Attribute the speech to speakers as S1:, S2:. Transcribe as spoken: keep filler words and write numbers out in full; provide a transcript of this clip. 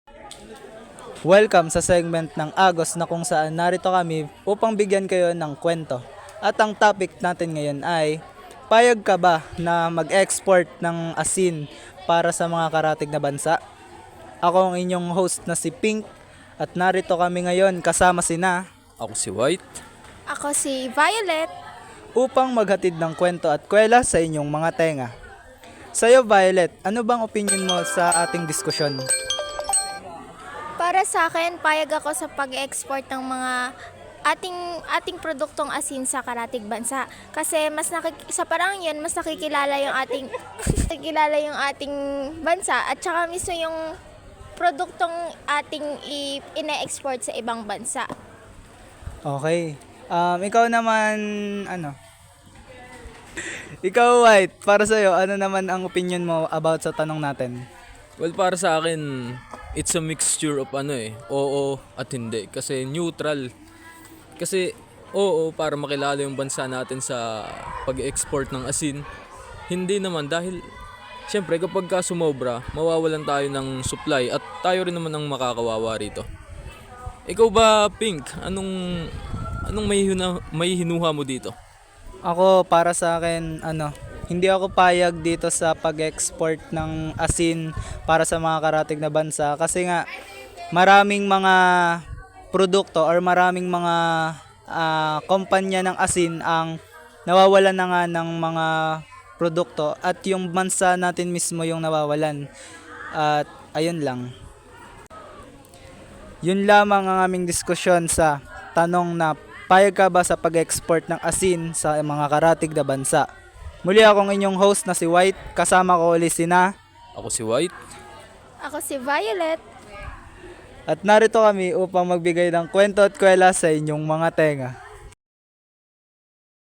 S1: Welcome sa segment ng Agos na kung saan narito kami upang bigyan kayo ng kwento. At ang topic natin ngayon ay, payag ka ba na mag-export ng asin para sa mga karatig na bansa? Ako ang inyong host na si Pink at narito kami ngayon kasama sina
S2: Ako si White.
S3: Ako si Violet.
S1: upang maghatid ng kwento at kwela sa inyong mga tenga. Sa'yo Violet, ano bang opinion mo sa ating diskusyon?
S3: Para sa akin, payag ako sa pag-export ng mga ating ating produktong asin sa karatig bansa. Kasi mas nakik sa parang 'yun, mas nakikilala yung ating nakikilala yung ating bansa at saka mismo yung produktong ating i- ine-export sa ibang bansa.
S1: Okay. Um, ikaw naman, ano? Ikaw White, para sa'yo, ano naman ang opinion mo about sa tanong natin?
S2: Well, para sa akin, it's a mixture of ano eh, oo at hindi. Kasi neutral. Kasi oo, para makilala yung bansa natin sa pag-export ng asin. Hindi naman dahil, syempre kapag ka sumobra, mawawalan tayo ng supply at tayo rin naman ang makakawawa rito. Ikaw ba, Pink? Anong anong may, hina, may hinuha mo dito?
S1: Ako, para sa akin, ano, hindi ako payag dito sa pag-export ng asin para sa mga karatig na bansa kasi nga maraming mga produkto or maraming mga ah, kumpanya ng asin ang nawawalan na nga ng mga produkto at yung bansa natin mismo yung nawawalan. At ayun lang. Yun lamang ang aming diskusyon sa tanong na payag ka ba sa pag-export ng asin sa mga karatig na bansa? Muli akong inyong host na si White, kasama ko ulit sina
S2: Ako si White.
S3: Ako si Violet.
S1: at narito kami upang magbigay ng kwento at kwela sa inyong mga tenga.